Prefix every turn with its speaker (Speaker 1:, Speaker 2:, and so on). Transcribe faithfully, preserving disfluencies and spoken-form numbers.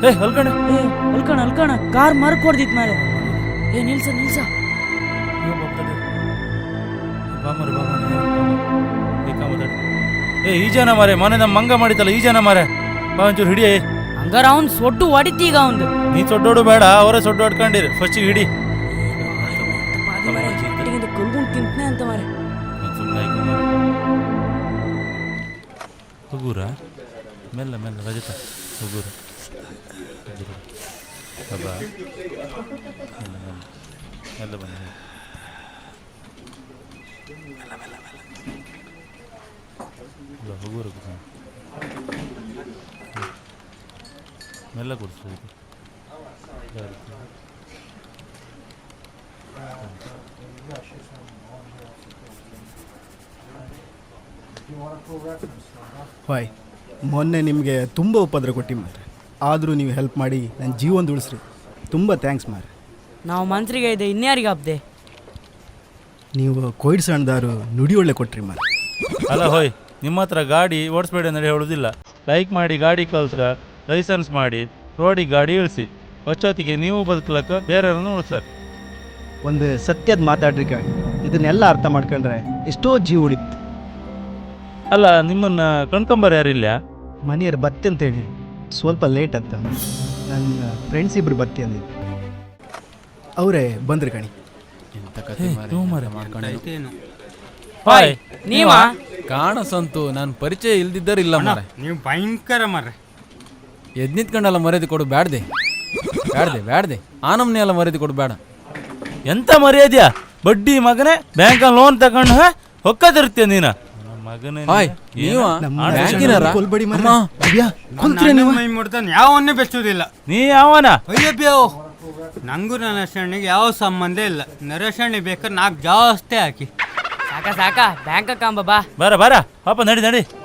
Speaker 1: ಏ ಹೊಲ್ಕಣ
Speaker 2: ಏ ಅಲ್ಕಣ ಅಲ್ಕಣ ಕಾರ್ ಮರಕ್ ಹೊಡ್ದಿತ್ ಮಾರೆ. ಏ ನಿಲ್ಸ ನಿಲ್ಸ
Speaker 1: ಬಾಮರ ಏ ಈ ಜನ ಮಾರೆ ಮನೆ ನಮ್ಮ ಮಂಗ ಮಾಡಿತಲ್ಲ ಈ ಜನ ಮಾರೆ ಬಾ ಒಂಚೂರು ಹಿಡಿಯೇ.
Speaker 2: ಹಂಗಾರ ಅವ್ನ್ ಸೊಡ್ಡು ಹೊಡಿತಿ ಈಗ ಅವಂದು.
Speaker 1: ನೀ ಸೊಡ್ಡೋಡು ಬೇಡ ಅವರೇ ಸೊಡ್ಡು ಹೊಡ್ಕೊಂಡಿರಿ ಫಸ್ಟ್ ಹಿಡಿ.
Speaker 2: ಕಲ್ಗೊಂಡು ತಿಂತನೆ ಅಂತ ಮಾರೆ.
Speaker 1: ಹುಗೂರ ಮೆಲ್ಲ ಮೆಲ್ಲ ರಜತ ಹುಗೂರ ಬಾ ಮೆಲ್ಲ ಮೆಲ್ಲ ಮೆಲ್ಲ ಬನ್ನಿ ಮೆಲ್ಲ ಮೆಲ್ಲ ಮೆಲ್ಲ ಹುಗೂರ ಮೆಲ್ಲ ಕೊಡಿಸು.
Speaker 3: ಹಾಯ್, ಮೊನ್ನೆ ನಿಮಗೆ ತುಂಬ ಉಪದ್ರ ಕೊಟ್ಟು ಮಾರೆ, ಆದರೂ ನೀವು ಹೆಲ್ಪ್ ಮಾಡಿ ನನ್ನ ಜೀವನ ಉಳಿಸ್ರಿ. ತುಂಬ ಥ್ಯಾಂಕ್ಸ್ ಮಾರೆ.
Speaker 2: ನಾವು ಮನ್ಸರಿಗೆ ಇದೆ ಇನ್ಯಾರಿಗೆ ಹಬ್ದೆ.
Speaker 3: ನೀವು ಕೊಯ್ಡ್ ಸಣ್ಣದಾರು ನುಡಿ ಒಳ್ಳೆ ಕೊಟ್ರಿ ಮಾರೆ.
Speaker 1: ಅಲ್ಲ ಹೋಯ್, ನಿಮ್ಮ ಹತ್ರ ಗಾಡಿ ಓಡಿಸ್ಬೇಡಿ ಅಂದರೆ ಹೇಳೋದಿಲ್ಲ. ಲೈಕ್ ಮಾಡಿ ಗಾಡಿ ಕಲ್ಸ್ರ ಲೈಸೆನ್ಸ್ ಮಾಡಿ ರೋಡಿಗೆ ಗಾಡಿ ಇಳಿಸಿ. ಹೊಚ್ಚೊತ್ತಿಗೆ ನೀವು ಬದುಕಲಕ್ಕ ಬೇರೆಯವ್ರನ್ನ ಉಳಿಸ್ತಾರೆ.
Speaker 3: ಒಂದು ಸತ್ಯದ ಮಾತಾಡ್ರಿ ಗಾಡಿ, ಇದನ್ನೆಲ್ಲ ಅರ್ಥ ಮಾಡ್ಕೊಂಡ್ರೆ ಎಷ್ಟೋ ಜೀವ ಉಳಿತು.
Speaker 1: ಅಲ್ಲ ನಿಮ್ಮನ್ನ ಕಣ್ಕೊಂಬರ್ ಯಾರಿಲ್ಲ?
Speaker 3: ಮನೆಯವ್ರು ಬತ್ತಿ ಅಂತೇಳಿ ಸ್ವಲ್ಪ ಲೇಟ್ ಅಂತ ನನ್ನ ಫ್ರೆಂಡ್ಸ್ ಇಬ್ರು ಬತ್ತಿ ಅಂದಿದ್ದು, ಅವರೇ ಬಂದ್ರಿ ಕಣಿ.
Speaker 1: ಹಾಯ್
Speaker 2: ನೀವ
Speaker 4: ಕಾಣಸಂತು ನಾನು ಪರಿಚಯ ಇಲ್ದಿದ್ದರಿಲ್ಲ ಮಾರೆ.
Speaker 5: ನೀವು ಭಯಂಕರ ಮಾರ್ರೆ.
Speaker 4: ಎದ್ ನಿಂತ್ಕೊಂಡಲ್ಲ ಮರ್ಯಾದೆ ಕೊಡು ಬ್ಯಾಡ್ದೆ ಬ್ಯಾಡ್ದೆ ಬ್ಯಾಡ್ದೆ ಆ ನಮ್ನೆ ಎಲ್ಲ ಮರ್ಯಾದೆ ಕೊಡು ಬೇಡ.
Speaker 1: ಎಂತ ಮರ್ಯಾದ್ಯಾ ಬಡ್ಡಿ ಮಗನೇ, ಬ್ಯಾಂಕಲ್ಲಿ ಲೋನ್ ತಗೊಂಡು ಹೊಕ್ಕದಿರ್ತೀಯ ನೀನ ಮಗನೇ.
Speaker 4: ಹಾಯ್ ನೀವ ಬ್ಯಾಂಕಿನಾರ
Speaker 3: ಕೊಲ್ಬೇಡಿ ಮಾರ್ರೆ.
Speaker 4: ಅಮ್ಮ.
Speaker 3: ಅಯ್ಯ, ಕುಂತ್ರೆ ನೀವು.
Speaker 5: ಮೈ ಮುಡ್ತಾನೆ ಯಾವನ್ನೇ ಬೆಚ್ಚುವುದಿಲ್ಲ.
Speaker 1: ನೀ ಯಾವನ?
Speaker 5: ಅಯ್ಯಬ್ಯೋ, ನಂಗೂ ನರೇಶಣ್ಣಿಗೆ ಯಾವ ಸಂಬಂಧ ಇಲ್ಲ. ನರೇಶಣ್ಣಿ ಬೇಕಾದ್ರೆ ನಾಲ್ಕು ಜಾಸ್ತಿ ಹಾಕಿ.
Speaker 2: ಸಾಕ ಸಾಕ ಬ್ಯಾಂಕ್ ಕಾಂಬ ಬಾ.
Speaker 1: ಬರ ಬರ ಪಾಪ ನಡಿ ನಡಿ.